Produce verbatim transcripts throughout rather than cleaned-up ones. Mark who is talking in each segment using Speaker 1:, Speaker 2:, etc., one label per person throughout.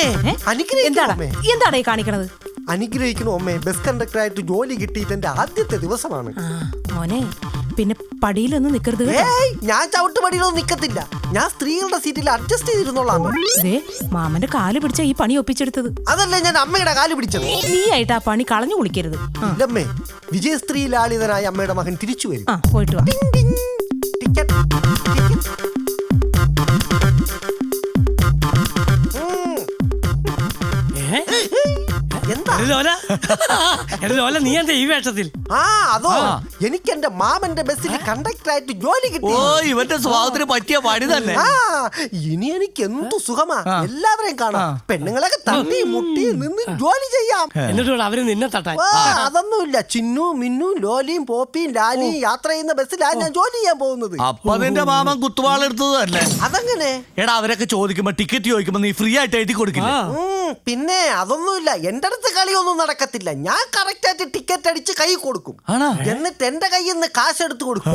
Speaker 1: എന്താണ് ഈ കാണിക്കണത്?
Speaker 2: അനുഗ്രഹിക്കണോ അമ്മേ, ബസ് കണ്ടക്ടർ ആയിട്ട് ജോലി കിട്ടിയിട്ട് എന്റെ ആദ്യത്തെ ദിവസമാണ്.
Speaker 1: മോനെ പിന്നെ പടിയിലൊന്നും നിക്കരുത്.
Speaker 2: ഞാൻ ചവിട്ടുപടിയിലൊന്നും നിക്കത്തില്ല. ഞാൻ സ്ത്രീകളുടെ സീറ്റിൽ അഡ്ജസ്റ്റ് ചെയ്തിരുന്നോളാം.
Speaker 1: മാമന്റെ കാല് പിടിച്ച ഈ പണി ഒപ്പിച്ചെടുത്തത്.
Speaker 2: അതല്ലേ ഞാൻ അമ്മയുടെ കാല് പിടിച്ചത്.
Speaker 1: നീ ആയിട്ട് ആ പണി കളഞ്ഞു കുളിക്കരുത്.
Speaker 2: ഇല്ലമ്മേ, വിജയസ്ത്രീ ലാളിതനായ അമ്മയുടെ മകൻ തിരിച്ചു വരും.
Speaker 1: പോയിട്ട് വാ.
Speaker 2: ടിക്കറ്റ്
Speaker 3: നീ എന്താ ഈ വേഷത്തിൽ?
Speaker 2: ആ അതോ, എനിക്ക് എന്റെ മാമന്റെ ബസ്സിൽ കണ്ടക്ടർ ആയിട്ട് ജോലി കിട്ടി.
Speaker 4: ഓ, ഇവന്റെ സ്വഭാവത്തിന് പറ്റിയ പണി തന്നെ.
Speaker 2: ആ ഇനി എനിക്ക് എന്തു സുഖമാ, എല്ലാവരെയും കാണാം. പെണ്ണുങ്ങളൊക്കെ തട്ടി മുട്ടി നിന്ന് ജോലി ചെയ്യാം.
Speaker 3: എന്നിട്ട് അവര് നിന്നെ തട്ടാൻ.
Speaker 2: അതൊന്നുമില്ല. ചിന്നു മിന്നു ലോലിയും പോപ്പിയും ലാലിയും യാത്ര ചെയ്യുന്ന ബസ്സിലാണ് ഞാൻ ജോലി ചെയ്യാൻ പോകുന്നത്.
Speaker 4: അപ്പൊ നിന്റെ മാമൻ കുത്തുവാളെടുത്തത് തന്നെ.
Speaker 2: അതെങ്ങനെ?
Speaker 4: എടാ, അവരൊക്കെ ചോദിക്കുമ്പോ ടിക്കറ്റ് ചോദിക്കുമ്പോ നീ ഫ്രീ ആയിട്ട് എഴുതി കൊടുക്കില്ല?
Speaker 2: പിന്നെ അതൊന്നുമില്ല, എന്റെ അടുത്ത് കളിയൊന്നും നടക്കത്തില്ല. ഞാൻ കറക്റ്റ് ആയിട്ട് ടിക്കറ്റ് അടിച്ച് കൈ കൊടുക്കും, എന്നിട്ട് എന്റെ കയ്യിൽ നിന്ന് കാശ് എടുത്ത് കൊടുക്കും.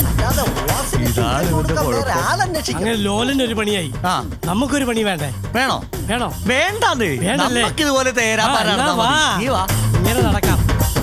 Speaker 3: ലോലനൊരു പണിയായി, നമുക്കൊരു പണി വേണ്ടേ?
Speaker 4: വേണോ?
Speaker 3: വേണോ?
Speaker 4: വേണ്ടേ? ഇതുപോലെ
Speaker 3: ഇങ്ങനെ നടക്കാം.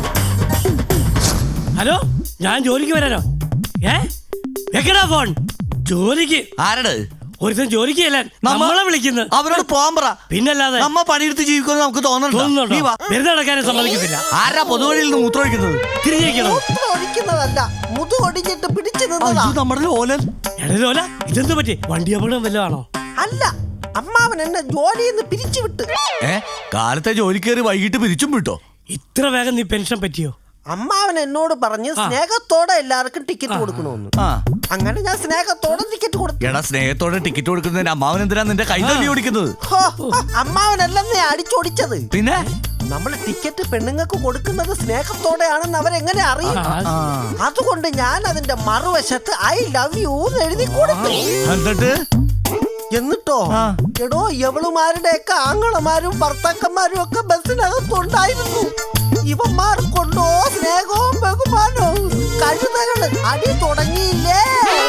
Speaker 3: ഹലോ, ഞാൻ ജോലിക്ക് വരാനോ? ഏ വെക്കടാ ഫോൺ. ജോലിക്ക്
Speaker 4: ആരട്?
Speaker 3: ഒരുത്തൻ ജോലിക്ക് നമ്മളെ വിളിക്കുന്നത്. അവരോട് പോകാൻ പറ. പിന്നല്ലാതെ നമ്മ പണിയെടുത്ത് ജീവിക്കുമെന്ന് നമുക്ക് തോന്നുന്നുണ്ടോ? വെറുതെ നടക്കാനും സമ്മതിക്കത്തില്ല. ആരാ പൊതുവഴിയിൽ നിന്ന് മൂത്രമൊഴിക്കുന്നത്? തിരിഞ്ഞേക്കണോ?
Speaker 2: ഒഴിക്കുന്നതല്ല, മുതുകൊടിഞ്ഞിട്ട് പിടിച്ചു
Speaker 4: നമ്മുടെ ലോലൻ.
Speaker 3: ലോല, ഇതെന്ത് പറ്റി? വണ്ടി അപകടം വല്ലതാണോ?
Speaker 2: അല്ല, അമ്മാവൻ എന്നെ ജോലിയിൽ നിന്ന് പിരിച്ചു വിട്ട്.
Speaker 4: ഏ കാലത്തെ ജോലി കയറി വൈകിട്ട് പിരിച്ചും വിട്ടോ?
Speaker 3: ഇത്ര വേഗം നീ പെൻഷൻ പറ്റിയോ?
Speaker 2: അമ്മാവൻ എന്നോട് പറഞ്ഞ് സ്നേഹത്തോടെ എല്ലാവർക്കും ടിക്കറ്റ് കൊടുക്കണമെന്ന്. അങ്ങനെ ഞാൻ സ്നേഹത്തോടെ ടിക്കറ്റ് കൊടുത്തു.
Speaker 4: എടാ, സ്നേഹത്തോടെ ടിക്കറ്റ് കൊടുക്കുന്നതിന് അമ്മാവൻ എന്തിനാ നിന്റെ കൈ തല്ലി ഓടിക്കുന്നത്?
Speaker 2: അമ്മാവനല്ലെന്നേ അടിച്ചോടിച്ചത്.
Speaker 4: പിന്നെ
Speaker 2: നമ്മൾ ടിക്കറ്റ് പെണ്ണുങ്ങൾക്ക് കൊടുക്കുന്നത് സ്നേഹത്തോടെയാണെന്ന് അവരെങ്ങനെ അറിയും? അതുകൊണ്ട് ഞാൻ അതിന്റെ മറുവശത്ത് ഐ ലവ് യു എന്ന് എഴുതി കൊടുത്തു.
Speaker 4: എന്നിട്ട്
Speaker 2: എന്നിട്ടോ എടോ, എവളുമാരുടെയൊക്കെ ആങ്ങളമാരും ഭർത്താക്കന്മാരും ഒക്കെ ബസ്സിനകത്തുണ്ടായിരുന്നു. ഇവന്മാർക്കൊണ്ടോ സ്നേഹവും ബഹുമാനവും. കഴുതകള് അടി തുടങ്ങിയില്ലേ?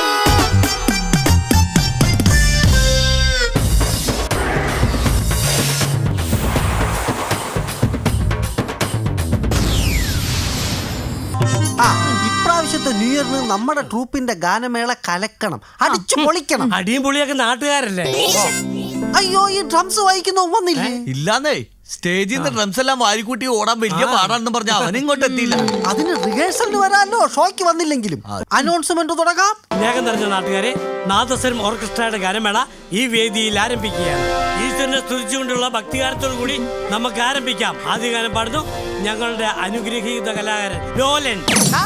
Speaker 2: ആ ഇപ്രാവശ്യത്തെ ന്യൂ ഇയറിന് നമ്മുടെ ട്രൂപ്പിന്റെ ഗാനമേള കലക്കണം, അടിച്ചു പൊളിക്കണം.
Speaker 3: അടിയും പൊളിയൊക്കെ നാട്ടുകാരല്ലേ?
Speaker 2: അയ്യോ, ഈ ഡ്രംസ് വായിക്കുന്ന വന്നില്ലേ?
Speaker 4: ഇല്ലാന്നേ, സ്റ്റേജിൽ നിന്ന് ഡ്രംസ് എല്ലാം വാരിക്കൂട്ടി ഓടാൻ വലിയ പാടാണെന്ന് പറഞ്ഞ അവൻ ഇങ്ങോട്ട് എത്തിയില്ല.
Speaker 2: അതിന് റിഹേഴ്സലിന് വരാല്ലോ, ഷോയ്ക്ക് വന്നില്ലെങ്കിലും. അനൗൺസ്മെന്റ് തുടങ്ങാം.
Speaker 3: സ്നേഹം നിറഞ്ഞ നാട്ടുകാരെ, നാദസ്വരം ഓർക്കസ്ട്രയുടെ ഗാനമേള ഈ വേദിയിൽ ആരംഭിക്കുകയാണ്. ഈശ്വരനെ സ്തുതിച്ചുകൊണ്ടുള്ള ഭക്തിഗാനത്തോടു കൂടി നമുക്ക് ആരംഭിക്കാം. ആദ്യ ഗാനം പാടുന്നു ഞങ്ങളുടെ അനുഗ്രഹീത കലാകാരൻ ലോലൻ.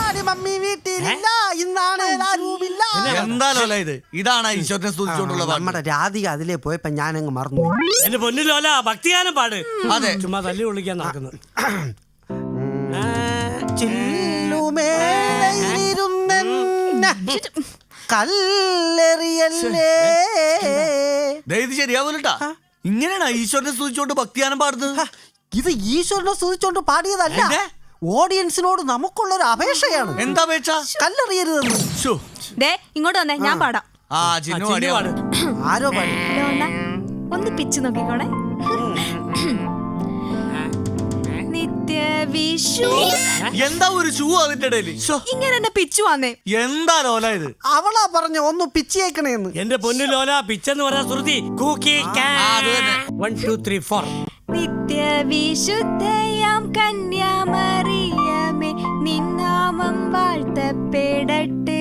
Speaker 4: എന്താ ലോല ഇത്? ഇതാണ് ഈശ്വരനെ സ്തുതിച്ചുകൊണ്ടുള്ള
Speaker 2: നമ്മുടെ രാധിക അതിലേ പോയപ്പോ ഞാനങ്ങ് മറന്നു.
Speaker 3: എന്റെ പൊന്നു ലോല, ഭക്തിഗാനം പാട്. അതെ, ചുമ്മാ തല്ലി വിളിക്കാൻ നടക്കുന്നു.
Speaker 4: ഇത് ശരിയാവൂലട്ടാ. ഇങ്ങനെയാണ് ഈശ്വരനെ സ്തുതിച്ചുകൊണ്ട് ഭക്തിഗാനം പാടുന്നത്.
Speaker 2: ഇത് ഈശ്വരനെ സ്തുതിച്ചുകൊണ്ട് പാടിയതല്ല, ഓഡിയൻസിനോട് നമുക്കുള്ള ഒരു അപേക്ഷയാണ്.
Speaker 4: എന്താ അപേക്ഷ?
Speaker 2: കല്ലെറിയരുതെന്ന്.
Speaker 1: ഇങ്ങോട്ട് വന്നേ, ഞാൻ പാടാം.
Speaker 2: ആരോ പാടി?
Speaker 1: ഒന്ന് പിച്ച് നോക്കിക്കോണേ. നിത്യവിഷു.
Speaker 4: എന്താ ഒരു ഷൂ അതിന്റെ ഇടയിൽ?
Speaker 1: ഇങ്ങനെ എന്നെ പിച്ചു വന്നേ.
Speaker 4: എന്താ ലോല ഇത്?
Speaker 2: അവളാ പറഞ്ഞ ഒന്ന് പിച്ചേക്കണേന്ന്.
Speaker 3: എന്റെ പൊന്നു ലോല, പിച്ചെന്ന് പറഞ്ഞ ശ്രുതി.
Speaker 1: നിത്യവിശുദ്ധയാം കന്യാമറിയമേ, നിന്നാമം വാഴ്ത്തപ്പെടട്ടെ.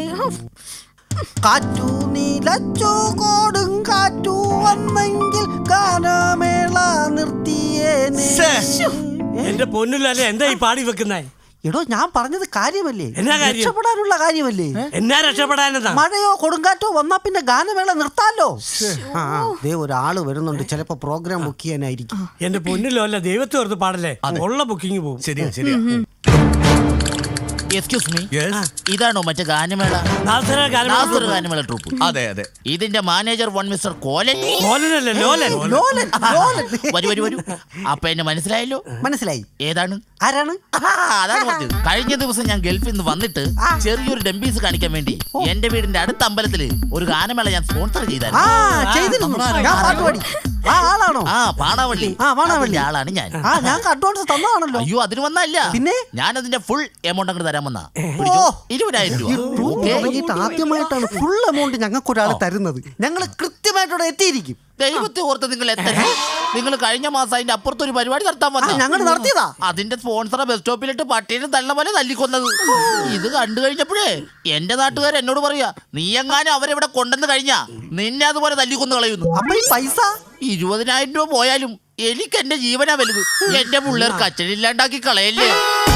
Speaker 2: കാറ്റു നീലച്ചു കോടും കാറ്റു വന്നെങ്കിൽ ഗാനമേള നിർത്തിയേനെ.
Speaker 3: എന്റെ പൊന്നുലല്ലേ, എന്താ ഈ പാടി വെക്കുന്നേ?
Speaker 2: എടോ, ഞാൻ പറഞ്ഞത് കാര്യമല്ലേ?
Speaker 3: എന്നാ കാര്യം?
Speaker 2: രക്ഷപ്പെടാനുള്ള കാര്യമല്ലേ?
Speaker 3: എന്നാ രക്ഷപ്പെടാനെന്താ?
Speaker 2: മഴയോ കൊടുങ്കാറ്റോ വന്നാ പിന്നെ ഗാനമേള നിർത്താലോ. ദേ ഒരാള് വരുന്നുണ്ട്, ചിലപ്പോ പ്രോഗ്രാം ബുക്ക് ചെയ്യാനായിരിക്കും.
Speaker 3: എന്റെ പൊന്നിലല്ല, ദൈവത്തെ ഓർത്ത് പാടല്ലേ, ഉള്ള ബുക്കിംഗ് പോകും.
Speaker 4: ശരിയാ ശരിയാ.
Speaker 5: എക്സ്ക്യൂസ് മീ, ഇതാണോ മറ്റേ ഗാനമേള? ഗാനമേള ട്രൂപ്പ്?
Speaker 4: അതെ അതെ.
Speaker 5: ഇതിന്റെ മാനേജർ വൺ മിസ്റ്റർ കോലൻ.
Speaker 3: കോലനല്ലേ, ലോലൻ.
Speaker 5: വരൂ വരൂ വരൂ. അപ്പൊ എന്നെ മനസ്സിലായല്ലോ?
Speaker 2: മനസ്സിലായി.
Speaker 5: ഏതാണ്?
Speaker 2: ആരാണ്?
Speaker 5: അതാണ് പറഞ്ഞത്. കഴിഞ്ഞ ദിവസം ഞാൻ ഗൾഫിൽ നിന്ന് വന്നിട്ട് ചെറിയൊരു ഡംബീസ് കാണിക്കാൻ വേണ്ടി എന്റെ വീടിന്റെ അടുത്ത അമ്പലത്തില് ഒരു ഗാനമേള ഞാൻ സ്പോൺസർ ചെയ്തായിരുന്നു.
Speaker 2: ആ ആളാണോ?
Speaker 5: ആ പാടാവള്ളി.
Speaker 2: ആ, പാടാവള്ളി.
Speaker 5: അതിന്റെ ആളാണ് ഞാൻ.
Speaker 2: ആ ഞാൻ അഡ്വാൻസ് തന്നതാണല്ലോ.
Speaker 5: അയ്യോ അതിന് വന്നല്ല.
Speaker 2: പിന്നെ?
Speaker 5: ഞാൻ അതിന്റെ ഫുൾ എമൗണ്ട് അങ്ങോട്ട് തരാൻ വന്ന
Speaker 2: ഓ.
Speaker 5: ഇരുപതിനായിരം രൂപ. ഓക്കേ?
Speaker 2: തുടങ്ങിയിട്ട് ആദ്യമായിട്ടാണ് ഫുൾ എമൗണ്ട് ഞങ്ങൾക്ക് ഒരാൾ തരുന്നത്. ഞങ്ങൾ കൃത്യമായിട്ടവിടെ എത്തിയിരിക്കും.
Speaker 5: ദൈവത്തെ ഓർത്ത് നിങ്ങൾ എത്ര നിങ്ങൾ കഴിഞ്ഞ മാസം അതിന്റെ അപ്പുറത്ത് ഒരു പരിപാടി നടത്താൻ വന്ന
Speaker 2: ഞങ്ങൾ നടത്തിയതാ.
Speaker 5: അതിന്റെ സ്പോൺസറെ ബസ് സ്റ്റോപ്പിലിട്ട് പട്ടീനെ തള്ള പോലെ തല്ലിക്കൊന്നത്. ഇത് കണ്ടു കഴിഞ്ഞപ്പോഴേ എന്റെ നാട്ടുകാർ എന്നോട് പറയാ, നീ എങ്ങാനും അവരെവിടെ കൊണ്ടെന്ന് കഴിഞ്ഞാ നിന്നെ അതുപോലെ തല്ലിക്കൊന്ന് കളയുന്നു.
Speaker 2: അപ്പൊ ഈ പൈസ
Speaker 5: ഇരുപതിനായിരം രൂപ പോയാലും എനിക്ക് എന്റെ ജീവനാ വലുത്. എന്റെ പിള്ളേർക്ക് അച്ഛനില്ലാണ്ടാക്കി കളയല്ലേ.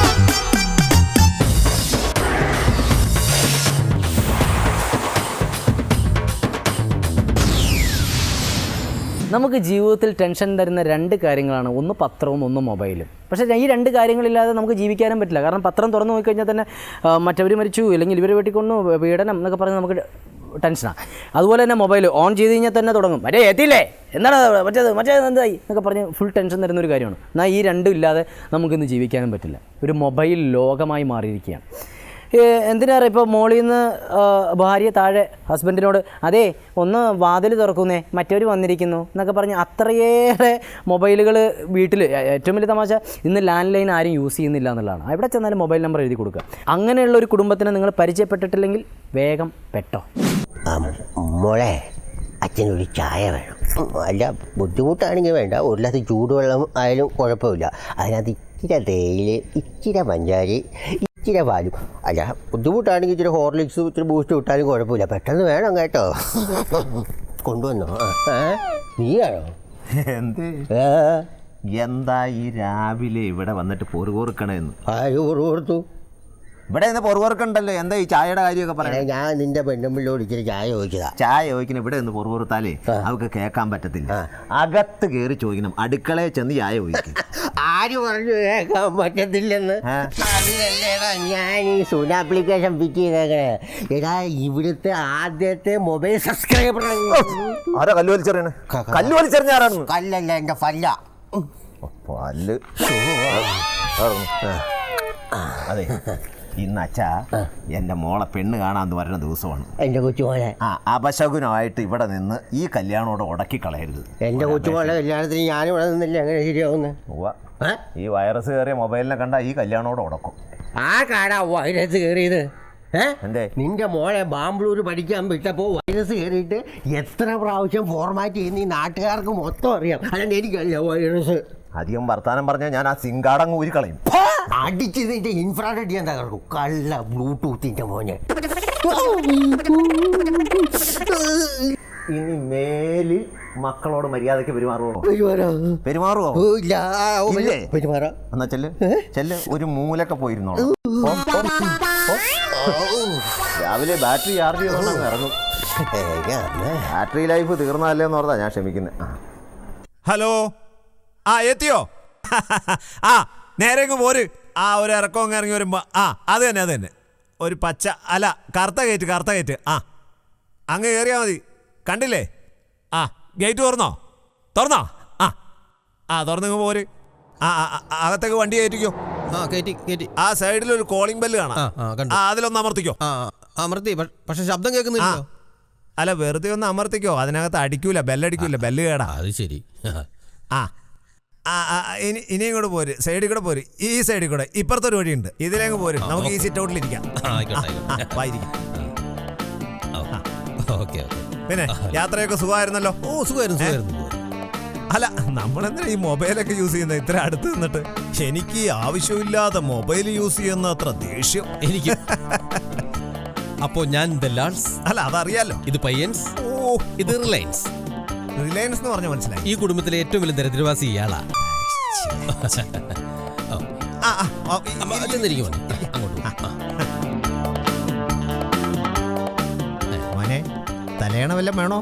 Speaker 6: നമുക്ക് ജീവിതത്തിൽ ടെൻഷൻ തരുന്ന രണ്ട് കാര്യങ്ങളാണ്, ഒന്ന് പത്രവും ഒന്ന് മൊബൈലും. പക്ഷേ ഈ രണ്ട് കാര്യങ്ങളില്ലാതെ നമുക്ക് ജീവിക്കാനും പറ്റില്ല. കാരണം പത്രം തുറന്നു നോക്കിക്കഴിഞ്ഞാൽ തന്നെ മറ്റവർ മരിച്ചു, അല്ലെങ്കിൽ ഇവർ വെട്ടിക്കൊന്നു, പീഡനം എന്നൊക്കെ പറഞ്ഞ് നമുക്ക് ടെൻഷനാണ്. അതുപോലെ തന്നെ മൊബൈൽ ഓൺ ചെയ്ത് കഴിഞ്ഞാൽ തന്നെ തുടങ്ങും, മറ്റേ എത്തിയില്ലേ, എന്താണ് മറ്റേത് മറ്റേത് എന്തായി എന്നൊക്കെ പറഞ്ഞ് ഫുൾ ടെൻഷൻ തരുന്നൊരു കാര്യമാണ്. എന്നാൽ ഈ രണ്ടും ഇല്ലാതെ നമുക്കിന്ന് ജീവിക്കാനും പറ്റില്ല. ഒരു മൊബൈൽ ലോകമായി മാറിയിരിക്കുകയാണ്. എന്തിനാറ് ഇപ്പോൾ മോളിൽ നിന്ന് ഭാര്യ താഴെ ഹസ്ബൻഡിനോട് അതേ ഒന്ന് വാതിൽ തുറക്കുന്നേ മറ്റവർ വന്നിരിക്കുന്നു എന്നൊക്കെ പറഞ്ഞ് അത്രയേറെ മൊബൈലുകൾ വീട്ടിൽ. ഏറ്റവും വലിയ തമാശ ഇന്ന് ലാൻഡ് ലൈൻ ആരും യൂസ് ചെയ്യുന്നില്ല എന്നുള്ളതാണ്. എവിടെ ചെന്നാലും മൊബൈൽ നമ്പർ എഴുതി കൊടുക്കുക. അങ്ങനെയുള്ള ഒരു കുടുംബത്തിനെ നിങ്ങൾ പരിചയപ്പെട്ടിട്ടില്ലെങ്കിൽ വേഗം പെട്ടോ.
Speaker 7: മോളെ അച്ഛനൊരു ചായ വേണം. അല്ല ബുദ്ധിമുട്ടാണെങ്കിൽ വേണ്ട, ഒരു ഗ്ലാസ് ചൂടുവെള്ളം ആയാലും കുഴപ്പമില്ല. അതിനകത്ത് ഇച്ചിരി തേയില, ഇച്ചിരി പഞ്ചാരി, ഇച്ചിരി പാലും. അല്ല ബുദ്ധിമുട്ടാണെങ്കിൽ ഇച്ചിരി ഹോർലിക്സും ഇച്ചിരി ബൂസ്റ്റ് വിട്ടാലും കുഴപ്പമില്ല. പെട്ടെന്ന് വേണം കേട്ടോ. കൊണ്ടുവന്നോ? നീയാണോ?
Speaker 8: എന്ത് എന്താ ഈ രാവിലെ ഇവിടെ വന്നിട്ട് പൊറുകൊറുക്കണെന്ന്?
Speaker 7: ആര് പൊറു കൊടുത്തു?
Speaker 8: ഇവിടെ നിന്ന് പൊറുകൊറുക്കണ്ടല്ലോ. എന്താ ഈ ചായയുടെ കാര്യമൊക്കെ പറയാം?
Speaker 7: ഞാൻ നിന്റെ പെണ്ണുമ്പിള്ളോട് ഇച്ചിരി ചായ ചോദിച്ചതാ.
Speaker 8: ചായ ചോദിക്കണം. ഇവിടെ നിന്ന് പൊറുകൊറുത്താലേ അവർക്ക് കേൾക്കാൻ പറ്റത്തില്ല. അകത്ത് കയറി ചോദിക്കണം, അടുക്കളയിൽ ചെന്ന് ചായ ചോദിക്കും.
Speaker 7: ആര് പറഞ്ഞു കേൾക്കാൻ പറ്റത്തില്ലെന്ന്? അതിനല്ലേടാ ഞാൻ ഈ സൂന ആപ്ലിക്കേഷൻ പിക്ക് ചെയ്തേക്കണേ. എടാ ഇവിടുത്തെ ആദ്യത്തെ മൊബൈൽ സബ്സ്ക്രൈബർ.
Speaker 8: ആരാ കല്ല് വലിച്ചെറിയണേ? കല്ല് വലിച്ചെറിഞ്ഞ ആരാണ്?
Speaker 7: കല്ലല്ല, എൻ്റെ ഫല്ല.
Speaker 8: പല്ല്. അതെ, ഇന്ന് അച്ഛാ എൻ്റെ മോളെ പെണ്ണ് കാണാന്ന് പറയുന്ന ദിവസമാണ്.
Speaker 7: എൻ്റെ കൊച്ചുമോളെ
Speaker 8: ആ അപശകുനമായിട്ട് ഇവിടെ നിന്ന് ഈ കല്യാണോടെ ഉടക്കി കളയരുത്.
Speaker 7: എൻ്റെ കൊച്ചുമോളെ കല്യാണത്തിന് ഞാനിവിടെ നിന്നില്ല, എങ്ങനെ ശരിയാവുന്നത്?
Speaker 8: ഈ വൈറസ് കയറിയ മൊബൈലിനെ കണ്ടാ ഈ കല്യാണോടെ ഉടക്കും.
Speaker 7: ആ കാടാ വൈറസ് കയറിയത്.
Speaker 8: എന്തേ?
Speaker 7: നിന്റെ മോളെ ബാംഗ്ലൂർ പഠിക്കാൻ വിട്ടപ്പോൾ വൈറസ് കയറിയിട്ട് എത്ര പ്രാവശ്യം ഫോർമാറ്റ് ചെയ്യുന്ന ഈ നാട്ടുകാർക്ക് മൊത്തം അറിയാം. അല്ലാണ്ട് എനിക്കറിയാം വൈറസ്.
Speaker 8: അധികം വർത്താനം പറഞ്ഞാൽ ഞാൻ ആ സിങ്കാടങ്ങ് ഊരിക്കളയും.
Speaker 7: അടിച്ച് നിന്റെ ഇൻഫ്രാറെഡ് ചെയ്യാൻ തകർക്കും. കള്ള ബ്ലൂടൂത്തിന്റെ മോനെ.
Speaker 8: ഇനി മേലിൽ മക്കളോട് മര്യാദയ്ക്ക് പെരുമാറുവോ? പെരുമാറുവോ?
Speaker 7: ഇല്ല.
Speaker 8: ഇല്ലേ?
Speaker 7: പെരുമാറാ.
Speaker 8: എന്നാ ചെല്ല് ചെല്ല് ഒരു മൂലൊക്കെ പോയിരുന്നോ. രാവിലെ ബാറ്ററി ചാർജ് ചെയ്തോണ്ട് ഇറങ്ങും. ബാറ്ററി ലൈഫ് തീർന്നല്ലേ എന്ന് പറഞ്ഞാ ഞാൻ ക്ഷമിക്കുന്നത്.
Speaker 9: ഹലോ, ആ എത്തിയോ? ആ നേരെ പോര്. ആ ഒരു ഇറക്കം ഇറങ്ങി വരുമ്പോ ആ അത് തന്നെ അത് തന്നെ ഒരു പച്ച അല്ല കറുത്ത ഗേറ്റ് കറുത്ത ഗേറ്റ്. ആ അങ്ങ് കയറിയാൽ മതി. കണ്ടില്ലേ? ആ ഗേറ്റ് തുറന്നോ? തുറന്നോ? ആ ആ തുറന്നിങ്ങ് പോര്. ആ അകത്തേക്ക് വണ്ടി കയറ്റിക്കോ.
Speaker 10: ആ കയറ്റി കയറ്റി.
Speaker 9: ആ സൈഡിൽ ഒരു കോളിംഗ് ബെല്ല് കാണാം. ആ അതിലൊന്ന് അമർത്തിക്കോ.
Speaker 10: ആ അമർത്തി, പക്ഷെ ശബ്ദം കേൾക്കുന്നില്ലല്ലോ.
Speaker 9: അല്ല വെറുതെ ഒന്ന് അമർത്തിക്കോ. അതിനകത്ത് അടിക്കൂല, ബെല്ലടിക്കൂല, ബെല്ല് കേടാ.
Speaker 10: അത് ശരി.
Speaker 9: ആ ആ ഇനി ഇനി ഇങ്ങോട്ട് പോര്, സൈഡിൽ കൂടെ പോര്. ഈ സൈഡിൽ കൂടെ ഇപ്പുറത്തൊരു വഴിയുണ്ട്, ഇതിലേക്ക് പോര്. നമുക്ക് ഈ സിറ്റ് ഔട്ടിലിരിക്കാം. പിന്നെ യാത്രയൊക്കെ സുഖമായിരുന്നല്ലോ?
Speaker 10: ഓ സുഖമായിരുന്നു സുഖമായിരുന്നു.
Speaker 9: അല്ല നമ്മളെന്താ ഈ മൊബൈലൊക്കെ യൂസ് ചെയ്യുന്നത് ഇത്ര അടുത്ത് നിന്നിട്ട്? എനിക്ക് ആവശ്യമില്ലാതെ മൊബൈൽ യൂസ് ചെയ്യുന്ന അത്ര ദേഷ്യം
Speaker 10: എനിക്ക്. അപ്പോ ഞാൻ ദലാൽസ്.
Speaker 9: അല്ല അതറിയാലോ.
Speaker 10: ഇത് പയ്യൻസ്.
Speaker 9: ഓ
Speaker 10: ഇത് റിലയൻസ്.
Speaker 9: റിലയൻസ് എന്ന് പറഞ്ഞ മനസ്സിലായി.
Speaker 10: ഈ കുടുംബത്തിലെ ഏറ്റവും വലിയ ദരിദ്രവാസി ഇയാളാ.
Speaker 9: മോനെ തലയണ വല്ലതും വേണോ?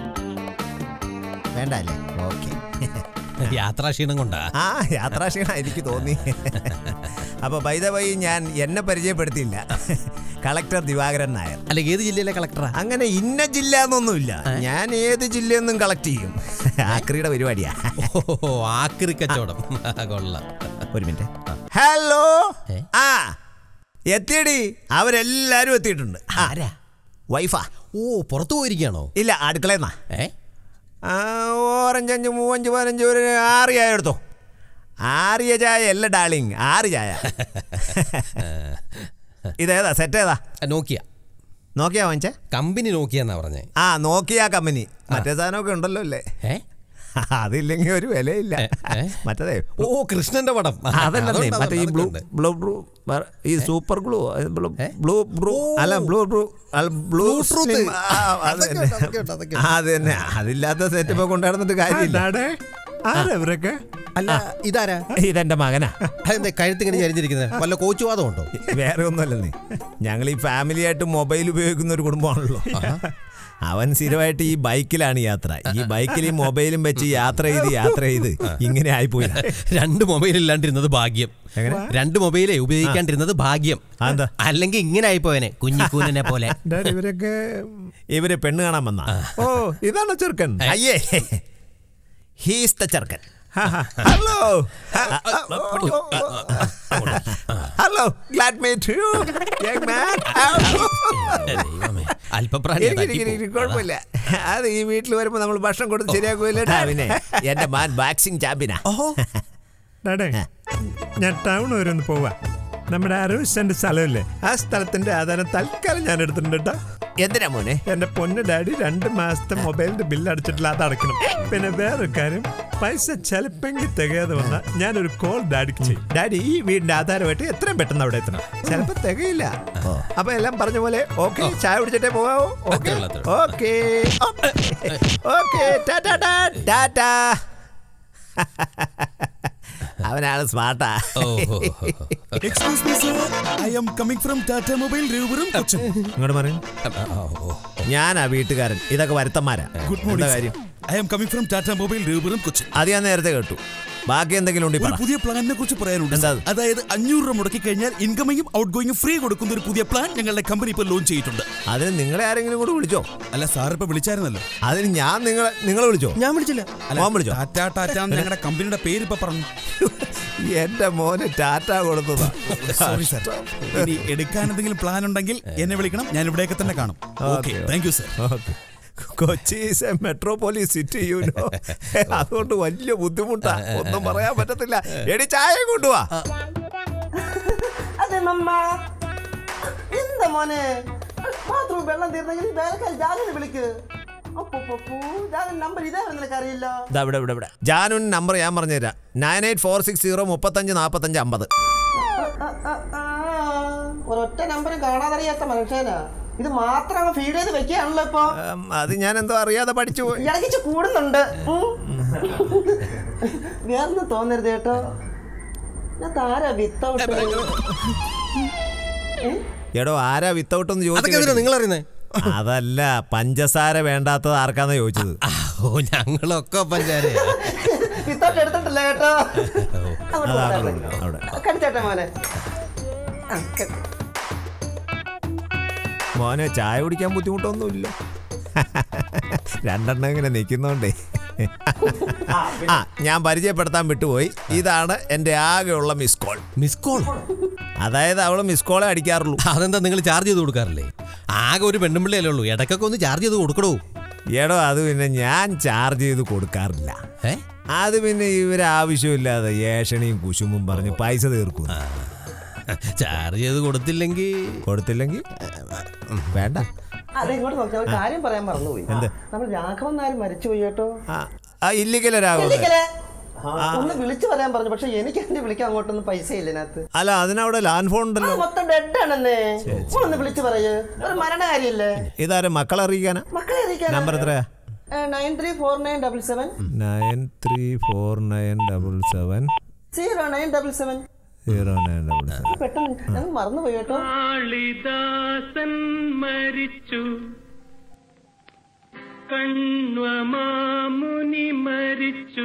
Speaker 9: വേണ്ട അല്ലേ? ഓക്കെ.
Speaker 10: യാത്രാക്ഷീണം കൊണ്ടാ.
Speaker 9: ആ യാത്രാക്ഷീണം എനിക്ക് തോന്നി. അപ്പൊ ബൈ ദ വൈ ഞാൻ എന്നെ പരിചയപ്പെടുത്തിയില്ല. കളക്ടർ ദിവാകരൻ നായർ.
Speaker 10: അല്ല ഏത് ജില്ലയിലെ കളക്ടറാ?
Speaker 9: അങ്ങനെ ഇന്ന ജില്ല എന്നൊന്നുമില്ല. ഞാൻ ഏത് ജില്ലയെന്നും കളക്ട് ചെയ്യും. ആക്രിയുടെ പരിപാടിയാ.
Speaker 10: ഓ ആക്രി കച്ചവടം. കൊള്ളാം.
Speaker 9: ഒരു മിനിറ്റ്. ഹലോ. ആ എത്തിയടി. അവരെല്ലാരും എത്തിയിട്ടുണ്ട്.
Speaker 10: ആരാ?
Speaker 9: വൈഫാ.
Speaker 10: ഓ പുറത്തു പോയിരിക്കുകയാണോ?
Speaker 9: ഇല്ല അടുക്കളയെന്നാ.
Speaker 10: ഏ
Speaker 9: ആ ഓറഞ്ച് അഞ്ച് മൂവഞ്ച് പതിനഞ്ച് ഒരു ആറ് ചായ എടുത്തോ. ആറിയ ചായ അല്ല ഡാർലിങ്, ആറ് ചായ. ഇതേതാ സെറ്റ് ഏതാ?
Speaker 10: നോക്കിയ.
Speaker 9: നോക്കിയാ വാങ്ങിച്ചേ?
Speaker 10: കമ്പനി നോക്കിയ എന്നാ പറഞ്ഞേ.
Speaker 9: ആ നോക്കിയ കമ്പനി. മറ്റേ സാധനമൊക്കെ ഉണ്ടല്ലോ അല്ലേ?
Speaker 10: ഏ
Speaker 9: അതില്ലെങ്കിൽ ഒരു വിലയില്ല. മറ്റേ
Speaker 10: ഓ കൃഷ്ണന്റെ പടം
Speaker 9: അതല്ലേ മറ്റേ ഈ ബ്ലൂ ബ്ലൂ ബ്ലൂ ഈ സൂപ്പർ ഗ്ലൂ ബ്ലൂ ബ്ലൂ അല്ല ബ്ലൂ ബ്ലൂ ബ്ലൂ അത് തന്നെ. അതില്ലാത്ത സെറ്റപ്പ് കൊണ്ടുവന്നിട്ട് കാര്യമില്ല. ആരവരൊക്കെ?
Speaker 10: അല്ല ഇതാരാ?
Speaker 9: ഇതെന്റെ മകനാ.
Speaker 10: അതെന്താ കഴുത്തിങ്ങനെ ചരിഞ്ഞിരിക്കുന്നത്? വല്ല കോച്ചുവാദം ഉണ്ടോ?
Speaker 9: വേറെ ഒന്നുമല്ലെന്നേ, ഞങ്ങൾ ഈ ഫാമിലി ആയിട്ട് മൊബൈൽ ഉപയോഗിക്കുന്ന ഒരു കുടുംബമാണല്ലോ. അവൻ സ്ഥിരമായിട്ട് ഈ ബൈക്കിലാണ് യാത്ര. ഈ ബൈക്കിൽ ഈ മൊബൈലും വെച്ച് യാത്ര ചെയ്ത് യാത്ര ചെയ്ത് ഇങ്ങനെ ആയിപ്പോയി.
Speaker 10: രണ്ട് മൊബൈൽ ഇല്ലാണ്ടിരുന്നത് ഭാഗ്യം. രണ്ട് മൊബൈലേ ഉപയോഗിക്കാണ്ടിരുന്നത് ഭാഗ്യം. അല്ലെങ്കിൽ ഇങ്ങനെ ആയിപ്പോയനെ കുഞ്ഞിക്കൂനെ പോലെ.
Speaker 9: ഇവരൊക്കെ ഇവര് പെണ്ണ് കാണാൻ വന്ന. ഓ ഇതാണോ ചെറുക്കൻ? അയ്യേ, ഹീസ് ദ ചെറുക്കൻ. Hello hello, glad meet you young man. കുഴപ്പമില്ല, അത് ഈ വീട്ടിൽ വരുമ്പോ നമ്മൾ ഭക്ഷണം കൊടുത്ത് ശരിയാക്കൂല്ലേ? പിന്നെ എന്റെ മാൻ ബാക്സിംഗ് ചാമ്പ്യനാ.
Speaker 11: ഞാൻ ടൗൺ വരെ ഒന്ന് പോവാ. നമ്മുടെ അറുപത് സെന്റ് സ്ഥലമില്ലേ, ആ സ്ഥലത്തിന്റെ ആധാരം തൽക്കാലം ഞാൻ എടുത്തിട്ടുണ്ട് കേട്ടോ.
Speaker 9: എന്തിനാ മോനെ?
Speaker 11: എന്റെ പൊന്ന് ഡാഡി രണ്ട് മാസത്തെ മൊബൈലിന്റെ ബില്ല് അടച്ചിട്ടില്ല, അത് അടയ്ക്കണം. പിന്നെ വേറൊരു കാര്യം, പൈസ ചിലപ്പെങ്കിൽ തികയാതെ വന്നാൽ ഞാനൊരു കോൾ ഡാഡിക്ക് ചെയ്യും. ഡാഡി ഈ വീടിന്റെ ആധാരമായിട്ട് എത്രയും പെട്ടെന്ന് അവിടെ എത്തണം. ചിലപ്പോ തികയില്ല. അപ്പൊ എല്ലാം പറഞ്ഞ പോലെ ഓക്കെ, ചായ കുടിച്ചിട്ടേ പോകാവോ? Okay okay okay, tata tata. അവനാണ് സ്മാർട്ടാ. ഇങ്ങോട്ട് പറയും. ഞാനാ വീട്ടുകാരൻ, ഇതൊക്കെ വരുത്തന്മാരാ. കാര്യം അത് ഞാൻ നേരത്തെ കേട്ടു. ബാക്കി എന്തെങ്കിലും ഉണ്ട്?
Speaker 12: പുതിയ പ്ലാനിനെ കുറിച്ച് പറയാനുണ്ട്. അതായത് അഞ്ഞൂറ് രൂപ മുടക്കി കഴിഞ്ഞാൽ ഇൻകമിങ്ങും ഔട്ട് ഗോയിങ്ങും ഫ്രീ കൊടുക്കുന്ന ഒരു പുതിയ പ്ലാൻ ഞങ്ങളുടെ കമ്പനി ഇപ്പോൾ ലോഞ്ച് ചെയ്തിട്ടുണ്ട്.
Speaker 9: അതിന് നിങ്ങളെ ആരെങ്കിലും കൂടെ വിളിച്ചോ?
Speaker 12: അല്ല സാർ ഇപ്പൊ വിളിച്ചായിരുന്നല്ലോ.
Speaker 9: അതിന് ഞാൻ നിങ്ങളെ നിങ്ങളെ വിളിച്ചോ?
Speaker 12: ഞാൻ വിളിച്ചില്ല.
Speaker 9: വിളിച്ചോ?
Speaker 12: ടാറ്റാ ടാറ്റാ ഞങ്ങളുടെ കമ്പനിയുടെ പേര് ഇപ്പൊ പറഞ്ഞു.
Speaker 9: എന്റെ മോന് ടാറ്റ കൊടുത്തതാ.
Speaker 12: Sorry sir. ഇനി എടുക്കാൻ എന്തെങ്കിലും പ്ലാൻ ഉണ്ടെങ്കിൽ എന്നെ വിളിക്കണം, ഞാൻ ഇവിടെയൊക്കെ തന്നെ കാണും. Okay, thank you sir.
Speaker 9: Kochi is a metropolis city, you know. അതുകൊണ്ട് വലിയ ബുദ്ധിമുട്ടാ, ഒന്നും പറയാൻ പറ്റത്തില്ല. എടി ചായ കൊണ്ടുവാ.
Speaker 2: അതെ മമ്മ. എന്താ മോനെ ബാത്റൂം വെള്ളം തീർന്നെങ്കിൽ വേലക്കാരി ജാനുവിനെ വിളിക്ക്. നമ്പർ ഇതേ നിനക്കറിയില്ല.
Speaker 9: ജാനുവിൻ നമ്പർ ഞാൻ പറഞ്ഞുതരാം. Nine eight four six zero മുപ്പത്തഞ്ച് നാപ്പത്തഞ്ച് അമ്പത്.
Speaker 2: ഒരൊറ്റ നമ്പർ കാണാതറിയാത്ത മനുഷ്യനാ. ഇത് മാത്രം ഫീഡ് ചെയ്ത് വെക്കുകയാണല്ലോ ഇപ്പൊ.
Speaker 9: അത് ഞാൻ എന്തോ അറിയാതെ പഠിച്ചു പോയി.
Speaker 2: ഇടയ്ക്ക് കൂടുന്നുണ്ട്. വേറൊന്നും തോന്നരുത് കേട്ടോ. ഞാൻ താരാ വിത്തൗട്ട്.
Speaker 9: എടോ ആരാ വിത്തൗട്ട് എന്ന് ചോദിച്ചു?
Speaker 10: നിങ്ങൾ അറിയുന്നേ?
Speaker 9: അതല്ല, പഞ്ചസാര വേണ്ടാത്തത് ആർക്കാന്നാ ചോദിച്ചത്.
Speaker 10: ഓ ഞങ്ങളൊക്കെ പഞ്ചാര
Speaker 2: വിത്തൗട്ട് എടുത്തിട്ടില്ല കേട്ടോ. കടിച്ചേട്ടാ മോനെ.
Speaker 9: മോനെ ചായ കുടിക്കാൻ ബുദ്ധിമുട്ടൊന്നുമില്ല. രണ്ടെണ്ണം ഇങ്ങനെ നിൽക്കുന്നോണ്ടേ. ആ ഞാൻ പരിചയപ്പെടുത്താൻ വിട്ടുപോയി. ഇതാണ് എൻ്റെ ആകെയുള്ള മിസ് കോൾ.
Speaker 10: Miss call?
Speaker 9: അതായത് അവള് മിസ് കോളെ അടിക്കാറുള്ളൂ.
Speaker 10: അതെന്താ നിങ്ങൾ ചാർജ് ചെയ്ത് കൊടുക്കാറില്ലേ? ആകെ ഒരു പെണ്ണുമ്പിള്ളയല്ലേ ഉള്ളൂ, ഇടയ്ക്കൊക്കെ ഒന്ന് ചാർജ് ചെയ്ത് കൊടുക്കണോ?
Speaker 9: എടോ അത് പിന്നെ ഞാൻ ചാർജ് ചെയ്ത് കൊടുക്കാറില്ല. അത് പിന്നെ ഇവര് ആവശ്യമില്ലാതെ ഏഷണിയും കുശുമ്പും പറഞ്ഞ് പൈസ തീർക്കും.
Speaker 10: ചാർജ് ചെയ്ത് കൊടുത്തില്ലെങ്കിൽ
Speaker 9: കൊടുത്തില്ലെങ്കിൽ വേണ്ട.
Speaker 2: അതെ, ഇങ്ങോട്ട് നോക്കിയാൽ ഒരു കാര്യം പറയാൻ മറന്നുപോയി. നമ്മൾ രാഘവൻ നായർ മരിച്ചുപോയി കേട്ടോ.
Speaker 9: ഇല്ലിക്കല രാഘവൻ
Speaker 2: ഒന്ന് വിളിച്ചു പറയാൻ പറഞ്ഞു, പക്ഷെ എനിക്ക് എന്റെ വിളിക്കാൻ അങ്ങോട്ടൊന്നും പൈസ ഇല്ല ഇതിനകത്ത്.
Speaker 9: അല്ല അതിനവിടെ ലാൻഡ് ഫോൺ ഉണ്ടല്ലോ.
Speaker 2: മൊത്തം ഡെഡ് ആണെന്നേ. ഒന്ന് വിളിച്ചു പറയൂ, ഒരു മരണകാര്യല്ലേ.
Speaker 9: ഇതാരും മക്കളെ അറിയിക്കാനാ?
Speaker 2: മക്കളെ അറിയിക്കാനാ.
Speaker 9: നമ്പർ എത്രയാ?
Speaker 2: Nine three four nine double seven
Speaker 9: nine three four nine double seven
Speaker 2: zero nine double seven
Speaker 9: zero nine double seven.
Speaker 2: പെട്ടെന്ന് ഞങ്ങൾ മറന്നുപോയി കേട്ടോ.
Speaker 13: കാളിദാസൻ മരിച്ചു, കണ്വമാമുനി മരിച്ചു,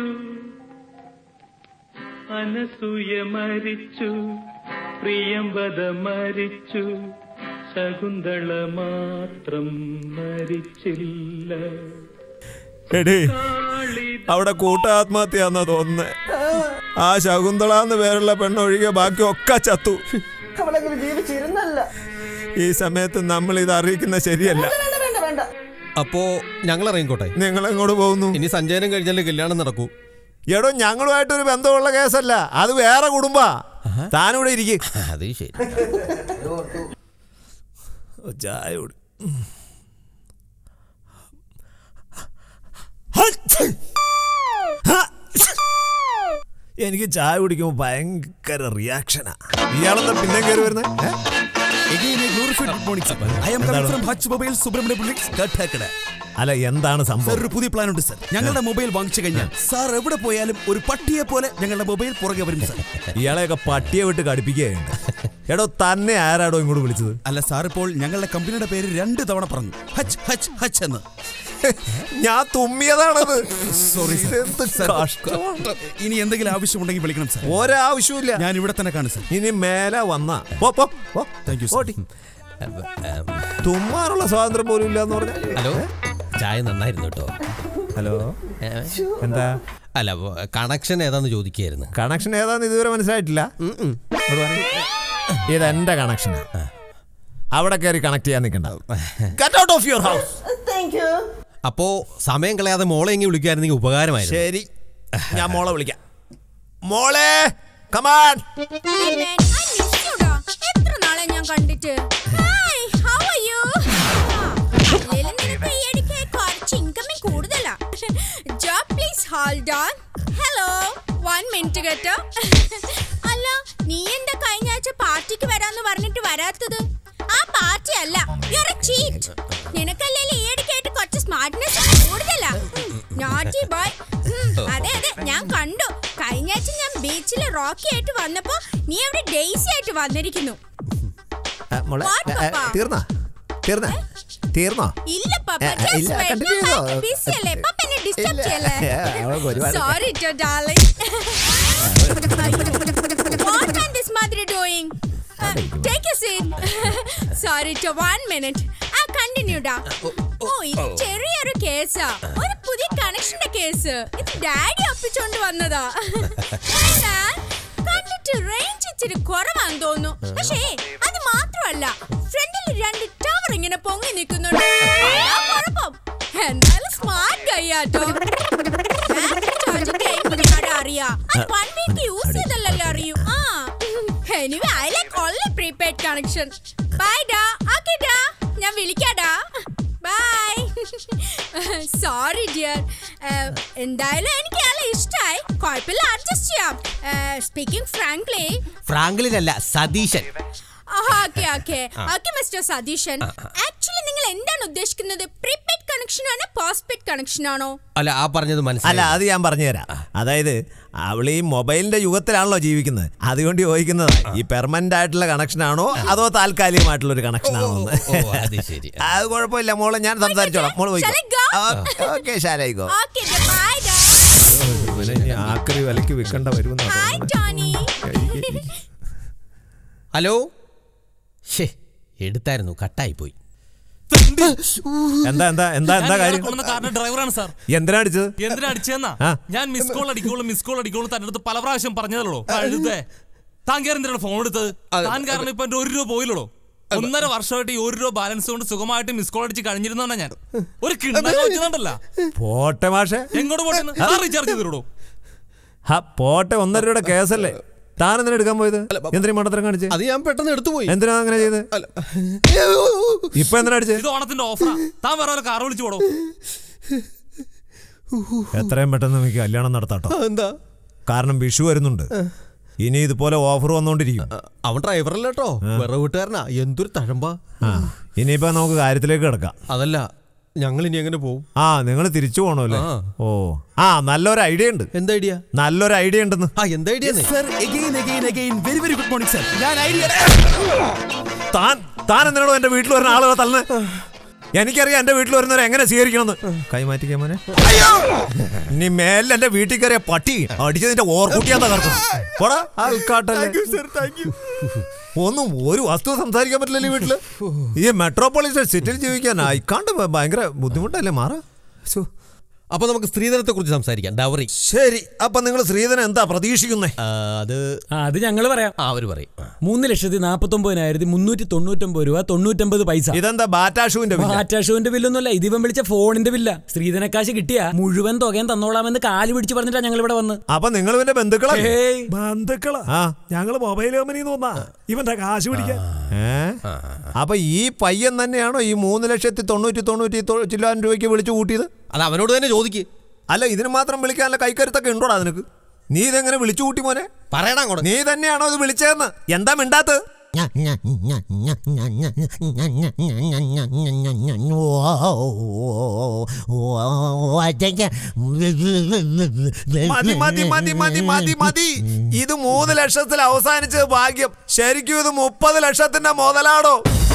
Speaker 13: അനസൂയ മരിച്ചു, പ്രിയംവദ മരിച്ചു, ശകുന്തള മാത്രം മരിച്ചില്ല.
Speaker 9: എടേ അവിടെ കൂട്ടാത്മഹത്യാന്നാ തോന്നുന്നേ. ആ ശകുന്തളാന്ന് പേരുള്ള പെണ്ണൊഴികെ ബാക്കി ഒക്കെ ചത്തു.
Speaker 2: അവളെങ്കിലും ജീവിച്ചിരുന്നല്ല.
Speaker 9: ഈ സമയത്ത് നമ്മൾ ഇത് അറിയിക്കുന്ന ശരിയല്ല.
Speaker 2: വേണ്ട വേണ്ട,
Speaker 10: അപ്പോ ഞങ്ങൾ ഇറങ്ങിക്കോട്ടെ.
Speaker 9: നിങ്ങൾ എങ്ങോട്ട് പോകുന്നു?
Speaker 10: ഇനി സഞ്ചയനം കഴിഞ്ഞാലേ കല്യാണം നടക്കൂ.
Speaker 9: എടോ ഞങ്ങളുമായിട്ടൊരു ബന്ധമുള്ള കേസല്ല, അത് വേറെ കുടുംബാ. താനിവിടെ ഇരിക്കും.
Speaker 10: അത് ശരി.
Speaker 9: ചായ കുടി. എനിക്ക് ചായ കുടിക്കുമ്പോൾ ഭയങ്കര റിയാക്ഷനാ. ഇയാളെന്താ പിന്നെ കയറി വരുന്നത്?
Speaker 12: Again a glorified good morning, sir. I am coming from Hutch Mobile, Subramania Buildings, Kathakada.
Speaker 9: അല്ല എന്താണ് സംഭവം?
Speaker 12: ഒരു പുതിയ പ്ലാൻ ഉണ്ട് സർ. ഞങ്ങളുടെ മൊബൈൽ വാങ്ങിച്ചു കഴിഞ്ഞാൽ സാർ എവിടെ പോയാലും ഒരു പട്ടിയെ പോലെ ഞങ്ങളുടെ മൊബൈൽ പുറകെ വരും സർ.
Speaker 9: ഇയാളെയൊക്കെ പട്ടിയെ വിട്ട് കടിപ്പിക്കുകയുണ്ട്. എടോ തന്നെ ആരാടോ ഇങ്ങോട്ട് വിളിച്ചത്?
Speaker 12: അല്ല സാർ, ഇപ്പോൾ ഞങ്ങളുടെ കമ്പനിയുടെ പേര് രണ്ട് തവണ പറഞ്ഞു, ഹച്ച് ഹച്ച് ഹച്ച് എന്ന്.
Speaker 9: ഞാൻ തുമ്മിയതാണത്.
Speaker 12: സോറി ഇനി എന്തെങ്കിലും ആവശ്യമുണ്ടെങ്കിൽ വിളിക്കണം സാർ.
Speaker 9: ഒരാവശ്യമില്ല,
Speaker 12: ഞാൻ ഇവിടെ തന്നെ കാണും സാർ.
Speaker 9: ഇനി മേലെ വന്നാ
Speaker 12: താങ്ക് യു സാർ.
Speaker 9: തുമ്മാനുള്ള സ്വാതന്ത്ര്യം പോലും ഇല്ല എന്ന് പറഞ്ഞാൽ.
Speaker 10: ഹലോ, ചായ നന്നായിരുന്നു കേട്ടോ.
Speaker 9: ഹലോ, എന്താ?
Speaker 10: അല്ല, കണക്ഷൻ ഏതാന്ന് ചോദിക്കായിരുന്നു.
Speaker 9: കണക്ഷൻ ഏതാന്ന് ഇതുവരെ മനസ്സിലായിട്ടില്ല. ഇതെന്റെ കണക്ഷനാ. അവിടെ കയറി കണക്ട് ചെയ്യാൻ നിൽക്കണ്ട. Get out of your house.
Speaker 10: അപ്പോ സമയം കളയാതെ മോളെ എങ്കിൽ വിളിക്കായിരുന്നെങ്കിൽ ഉപകാരമായിരുന്നു.
Speaker 9: ശരി, ഞാൻ മോളെ വിളിക്കാം. മോളെ കമാൻ.
Speaker 1: എത്ര നാളെ ഞാൻ കണ്ടിട്ട്. അല്ല, നീ എന്താ കഴിഞ്ഞ ആഴ്ച പാർട്ടിക്ക് വരാന്ന് പറഞ്ഞിട്ട് വരാത്തത്? ആ പാർട്ടി അല്ല, നിനക്കല്ലേ ഈയിടയ്ക്കായിട്ട് കുറച്ച് സ്മാർട്ട്നെസ് കൂടുതലാ. Naughty boy. അതെ അതെ, ഞാൻ കണ്ടു. കഴിഞ്ഞ ആഴ്ച ഞാൻ ബീച്ചിൽ റോക്കി ആയിട്ട് വന്നപ്പോ നീ അവിടെ ഡെയ്സി ആയിട്ട് വന്നിരിക്കുന്നു.
Speaker 9: തീർന്നാ തീർന്നാ തീർന്നോ?
Speaker 1: ഇല്ല പപ്പ, ബിസി അല്ലേ പപ്പ, എന്നെ ഡിസ്റ്റർബ് ചെയ്യല്ലേ. Sorry to darling. What are this mother doing? Uh, take a seat. Sorry to one minute. ആ കണ്ടിന്യൂ ഡാ. ഓ, ഇത് ചെറിയൊരു കേസാ, ഒരു പുതിയ കണക്ഷന്റെ കേസ്. ഇത് ഡാഡി ഒപ്പിച്ചോണ്ട് വന്നതാ. കണ്ടിട്ട് റേഞ്ച് ഇച്ചിരി കുറവാന്ന് തോന്നുന്നു. പക്ഷേ അത് മാത്രമല്ല, ഫ്രണ്ടിൽ രണ്ട് ടവർ ഇങ്ങനെ പൊങ്ങി നിൽക്കുന്നുണ്ട്. കുഴപ്പം എന്തായാലും സ്മാർട്ട് കൈയാട്ടോ. അറിയാ, വൺ വീക്ക് യൂസ് ചെയ്തല്ലോ അറിയൂ. ആ anyway, I like only prepaid connection. Bye ഡാ. ഓക്കേ ഡാ, ഞാൻ വിളിക്കാടാ. ബൈ. Sorry dear. എന്തായാലും എനിക്ക് നല്ല ഇഷ്ടമായി. കുഴപ്പമില്ല, അഡ്ജസ്റ്റ് ചെയ്യാം. Speaking frankly.
Speaker 10: ഫ്രാങ്ക്ലിനല്ല, Satheesan.
Speaker 1: Okay okay okay mister Satheesan. Actually നിങ്ങൾ എന്താണ് ഉദ്ദേശിക്കുന്നത്? പ്രീപെയ്ഡ് കണക്ഷൻ ആണോ പോസ്റ്റ്പെയ്ഡ് കണക്ഷൻ ആണോ?
Speaker 10: അല്ല, ആ പറഞ്ഞത്
Speaker 9: അല്ല,
Speaker 10: മനസ്സിലായി.
Speaker 9: അത് ഞാൻ പറഞ്ഞുതരാം. അതായത് അവൾ ഈ മൊബൈലിന്റെ യുഗത്തിലാണല്ലോ ജീവിക്കുന്നത്. അതുകൊണ്ട് ചോദിക്കുന്നതാ, ഈ പെർമനന്റ് ആയിട്ടുള്ള കണക്ഷൻ ആണോ അതോ താൽക്കാലികമായിട്ടുള്ള ഒരു കണക്ഷൻ ആണോ എന്ന്.
Speaker 10: അത് ശരി.
Speaker 9: അത് കുഴപ്പമില്ല മോളെ, ഞാൻ സംസാരിച്ചോളാം. മോള് പോയിക്കോ. ഓക്കെ, ശാലായിക്കോ. ആക്രി വിലക്ക് വിൽക്കേണ്ട വരുമെന്നോ.
Speaker 10: ഹലോ, ഷേ എടുത്തായിരുന്നു, കട്ടായി പോയി.
Speaker 9: എന്താ എന്താ എന്താ എന്താ കാര്യം?
Speaker 14: ഡ്രൈവറാണ് സാർ.
Speaker 9: എന്തിനാ അടിച്ചത്?
Speaker 14: എന്തിനാ അടിച്ചെന്നാ? ഞാൻ മിസ് കോൾ അടിക്കോളൂ മിസ് കോൾ അടിക്കോളൂ തന്റെ അടുത്ത് പല പ്രാവശ്യം പറഞ്ഞതല്ലോ. കഴുതേ, താൻ കയറി എന്തിനാണ് ഫോൺ എടുത്തത്? താൻ കാരണം ഇപ്പൊ എന്റെ ഒരു രൂപ പോയില്ലല്ലോ. ഒന്നര വർഷമായിട്ട് ഈ ഒരു രൂപ ബാലൻസ് കൊണ്ട് സുഖമായിട്ട് മിസ് കോൾ അടിച്ച് കഴിഞ്ഞിരുന്നാണ് ഞാൻ. ഒരു കിണ്ണല്ല.
Speaker 9: പോട്ടെ മാഷെ,
Speaker 14: എങ്ങോട്ട് പോട്ടെ? റീചാർജ് ചെയ്തിടോ.
Speaker 9: ഹാ പോട്ടെ, ഒന്നര രൂപയുടെ കേസല്ലേ. താൻ എന്തിനാ എടുക്കാൻ പോയത്? എന്തിനാ മണ്ടത്തരം കാണിച്ചത്?
Speaker 10: അത് ഞാൻ പെട്ടെന്ന് എടുത്തു പോയി.
Speaker 9: എന്തിനാ അങ്ങനെ ചെയ്ത്? ഇപ്പൊ എന്തിനാ അടിച്ചത്?
Speaker 14: ഇത് ഓണത്തിന്റെ ഓഫറാ. താൻ വേറെ കാർ വിളിച്ചു പോടോ.
Speaker 9: എത്രയും പെട്ടെന്ന് നമുക്ക് കല്യാണം നടത്താട്ടോ.
Speaker 10: എന്താ?
Speaker 9: കാരണം വിഷു വരുന്നുണ്ട്. ഇനി ഇതുപോലെ ഓഫർ വന്നോണ്ടിരിക്കും.
Speaker 10: അവൻ ഡ്രൈവറല്ലോ, വേറെ വീട്ടുകാരനാ. എന്തൊരു തഴമ്പാ.
Speaker 9: ഇനിയിപ്പോ നമുക്ക് കാര്യത്തിലേക്ക് കിടക്കാം.
Speaker 10: അതല്ല, ഞങ്ങൾ ഇനി എങ്ങനെ പോകും?
Speaker 9: ആ, നിങ്ങൾ തിരിച്ചു പോകണല്ലേ? ഓ, ആ നല്ലൊരു ഐഡിയ ഉണ്ട്.
Speaker 10: എന്താ ഐഡിയ?
Speaker 9: നല്ലൊരു ഐഡിയ ഉണ്ടെന്ന്.
Speaker 10: ആ, എന്താ idea?
Speaker 12: Very very good morning sir. ഞാൻ ഐഡിയ.
Speaker 9: താൻ താൻ എന്തിനാണോ എന്റെ വീട്ടിൽ വരുന്ന ആളുകളെ തള്ളേ? എനിക്കറിയാം എന്റെ വീട്ടിൽ വരുന്നവരെ എങ്ങനെ സ്വീകരിക്കണമെന്ന്. കൈമാറ്റിക്കാൻ മോനെ. ഇനി മേലെ എന്റെ വീട്ടിൽ കയറിയ പട്ടി അടിച്ചതിന്റെ ഓർക്കൂട്ടിയാ തകർക്കും. ഒന്നും ഒരു വസ്തു സംസാരിക്കാൻ പറ്റില്ലല്ലോ ഈ വീട്ടില്. ഈ മെട്രോപൊളിറ്റൻ സിറ്റിയിൽ ജീവിക്കാൻ ഇക്കാണ്ട് ഭയങ്കര ബുദ്ധിമുട്ടല്ലേ മാറാ.
Speaker 10: അപ്പൊ നമുക്ക് സ്ത്രീധനത്തെ കുറിച്ച് സംസാരിക്കാം. ഡൗറി.
Speaker 9: ശരി, അപ്പൊ നിങ്ങൾ സ്ത്രീധനം എന്താ പ്രതീക്ഷിക്കുന്നേ?
Speaker 10: അത്
Speaker 15: അത് ഞങ്ങള് പറയാം.
Speaker 10: അവര് പറയും.
Speaker 15: മൂന്ന് ലക്ഷത്തി നാപ്പത്തി ഒമ്പതിനായിരത്തി മുന്നൂറ്റി തൊണ്ണൂറ്റൊമ്പത് രൂപ തൊണ്ണൂറ്റൊമ്പത് പൈസ.
Speaker 9: ഇതെന്താ ബാറ്റാഷുവിന്റെ
Speaker 15: ബാറ്റാഷുവിന്റെ ബില്ലൊന്നുമല്ല, ഇത് ഇവൻ വിളിച്ച ഫോണിന്റെ ബില്ല. സ്ത്രീധനക്കാശ് കിട്ടിയ മുഴുവൻ തുകയും തന്നോളാമെന്ന് കാല് പിടിച്ച് പറഞ്ഞിട്ടാ ഞങ്ങൾ ഇവിടെ വന്ന്.
Speaker 9: അപ്പൊ നിങ്ങൾ ഇവന്റെ ബന്ധുക്കളാ?
Speaker 11: ബന്ധുക്കളാ? ഞങ്ങള് മൊബൈൽ കമ്പനി തോന്നാ ഇവന്റെ കാശ് പിടിക്കാൻ.
Speaker 9: അപ്പൊ ഈ പയ്യൻ തന്നെയാണോ ഈ മൂന്ന് ലക്ഷത്തി തൊണ്ണൂറ്റി തൊണ്ണൂറ്റി ചില്ലായിരം രൂപയ്ക്ക് വിളിച്ചു കൂട്ടിയത്?
Speaker 10: അത് അവനോട് തന്നെ ചോദിക്ക്.
Speaker 9: അല്ല, ഇതിന് മാത്രം വിളിക്കാനുള്ള കൈക്കരുത്തൊക്കെ ഉണ്ടോടാ നിനക്ക്? നീ ഇതെങ്ങനെ വിളിച്ചു കൂട്ടി മോനെ?
Speaker 10: പറയണ
Speaker 9: നീ തന്നെയാണോ ഇത് വിളിച്ചതെന്ന്? എന്താ മിണ്ടാത്തത്? മതി മതി മതി മതി മതി മതി. ഇത് മൂന്ന് ലക്ഷത്തിൽ അവസാനിച്ചത് ഭാഗ്യം. ശരിക്കും ഇത് മുപ്പത് ലക്ഷത്തിന്റെ മുതലാടോ.